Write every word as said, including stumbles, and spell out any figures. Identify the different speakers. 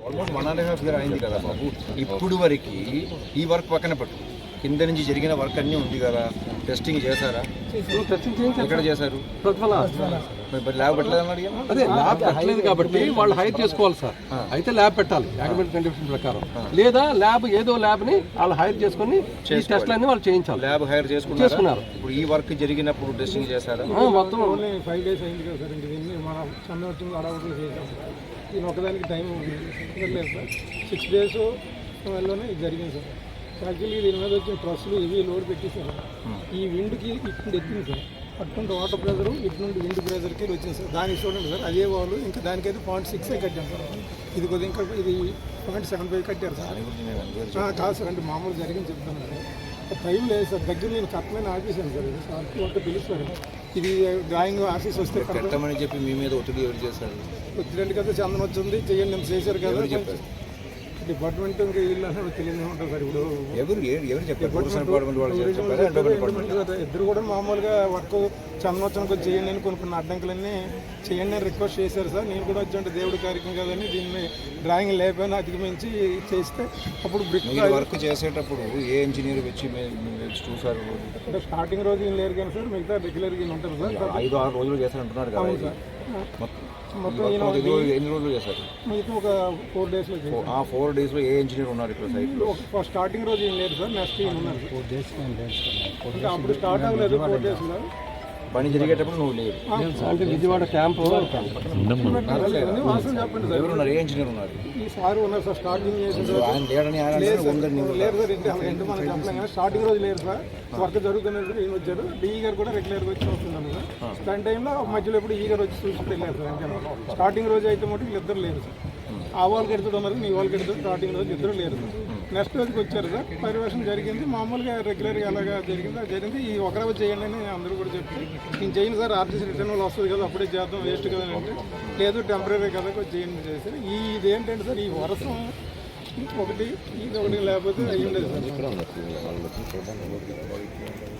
Speaker 1: Almost one and half year అయింది కదా బాబు. ఇప్పుడు వరకు ఈ వర్క్ పక్కన పెట్టు, కింద నుంచి జరిగిన వర్క్ అన్నీ ఉంది కదా, టెస్టింగ్ చేశారా? ఎక్కడ చేశారు? మరి ల్యాబ్ పెట్టలేదని అడిగాను.
Speaker 2: అదే ల్యాబ్ పెట్టలేదు కాబట్టి వాళ్ళు హైర్ చేసుకోవాలి సార్. అయితే ల్యాబ్ పెట్టాలి అకాడమిక్ కండిషన్ ప్రకారం, లేదా ల్యాబ్ ఏదో ల్యాబ్ ని వాళ్ళు హైర్ చేసుకుని టెస్ట్లన్నీ వాళ్ళు చేయించాలి.
Speaker 1: ల్యాబ్ హైర్ చేసుకున్నారు. ఇప్పుడు ఈ వర్క్ జరిగినప్పుడు టెస్టింగ్ చేశారా?
Speaker 2: మొత్తం
Speaker 3: ఫైవ్ డేస్ అయింది కదా సార్. ఇంక దీన్ని మనం సమ్మె వచ్చింది అడవులు చేసాం. దీని ఒకదానికి టైం లేదు సార్. సిక్స్ డేస్ వల్లనే ఇది జరిగింది సార్. యాక్చువల్లీ దీని మీద వచ్చిన ట్రస్సులు ఇవి లోడ్ పెట్టేశారు. ఈ విండ్కి ఇటు ఎక్కింది సార్. అటువంటి వాటర్ ప్రెజరు ఇటు నుండి విండ్ ప్రెజర్కి వచ్చింది సార్. దానికి చూడండి సార్, అదే వాళ్ళు ఇంకా దానికైతే పాయింట్ సిక్స్ కట్టాం సార్. ఇది కొద్దిగా ఇంకా ఇది పాయింట్ సెవెన్ ఫైవ్ కట్టారు సార్. కాదు సార్, అంటే మామూలు జరిగింది చెప్తాను సార్. టైం లేదు సార్. దగ్గర నేను కట్టమైన ఆఫీసాను సార్. సార్ అంటే పిలుస్తారు. ఇది డ్రాయింగ్ ఆఫీస్ వస్తే
Speaker 1: కట్టమని చెప్పి మీ మీద ఒత్తిడి ఎవరు చేస్తారు?
Speaker 3: ఒత్తిడి కదా, చందన వచ్చింది చెయ్యండి నేను చేశారు కదా. డిపార్ట్మెంట్ ఇంకా వీళ్ళు అసలు తెలియదు ఉంటుంది సార్. ఇప్పుడు
Speaker 1: ఎవరు ఎవరు చెప్పారు?
Speaker 3: ఇద్దరు కూడా మామూలుగా వర్క్ చందనోత్సవం కొంచెం చేయండి అని కొన్ని కొన్ని అడ్డంకులన్నీ చేయండి అని రిక్వెస్ట్ చేశారు సార్. నేను కూడా వచ్చి అంటే దేవుడి కార్యక్రమం కదని దీన్ని డ్రాయింగ్ లేకపోయినా అధిగమించి చేస్తే అప్పుడు బ్రిక్
Speaker 1: వర్క్ చేసేటప్పుడు ఏ ఇంజనీర్ వచ్చి చూసారు?
Speaker 3: అంటే స్టార్టింగ్ రోజు ఏం లేరు కానీ సార్, మిగతా రెగ్యులర్ గా ఉంటారు సార్.
Speaker 1: ఐదు ఆరు రోజులు చేశారంటున్నారు కదా.
Speaker 3: మొత్తం
Speaker 1: ఎన్ని రోజులు చేశారు?
Speaker 3: మిగతా ఒక ఫోర్ డేస్ లో.
Speaker 1: ఆ ఫోర్ డేస్ లో ఏ ఇంజనీర్ ఉన్నారు ఇక్కడ సైట్ లో?
Speaker 3: స్టార్టింగ్ రోజు ఏం లేదు సార్, నెక్స్ట్ ఏం ఉన్నారు. ఫోర్ డేస్ అప్పుడు స్టార్ట్ అవ్వలేదు. ఫోర్ డేస్ లో
Speaker 1: పని జరిగేటప్పుడు నువ్వు లేదు
Speaker 2: అంటే విజయవాడ క్యాంప్
Speaker 3: చెప్పండి సార్.
Speaker 1: ఎవరున్నారు? ఏ ఇంజనీర్ ఉన్నారు?
Speaker 3: ఈ సార్ ఉన్నారు సార్. స్టార్టింగ్ చేసిన
Speaker 1: ఆయన లేడని
Speaker 3: లేదు సార్, రెండు మనం చెప్పలేం కానీ స్టార్టింగ్ రోజు లేదు సార్. వర్క్ జరుగుతున్నప్పుడు ఈయన వచ్చారు. డిఈ గారు కూడా రెగ్యులర్గా వచ్చి వస్తున్నాను సార్. దాని టైంలో మధ్యలో ఎప్పుడు ఈ గారు వచ్చి చూసుకుంటూ వెళ్ళారు సార్. అంతే స్టార్టింగ్ రోజు అయితే మటు వీళ్ళిద్దరు లేరు సార్. ఆ వాళ్ళకి ఎడుతుడు ఉన్నారు, నీ వాళ్ళకి ఎడుతుడు. స్టార్టింగ్ రోజు ఇద్దరు లేరు సార్. నెక్స్ట్ రోజుకి వచ్చారు సార్. పర్యవేక్షణ జరిగింది మామూలుగా రెగ్యులర్గా ఎలాగా జరిగింది అది జరిగింది. ఈ ఒక రోజు చేయండి అని అందరూ కూడా చెప్పి నేను చేయను సార్, ఆర్టీసీ రిటర్న్ వాళ్ళు వస్తుంది కదా అప్పుడే చేద్దాం, వేస్ట్ కదా అంటే లేదు టెంపరీ కదా కొంచెం చేయండి చేశారు. ఈ ఇదేంటంటే సార్, ఈ వర్షం ఒకటి ఇది ఒకటి లేకపోతే అయ్యి ఉండేది సార్.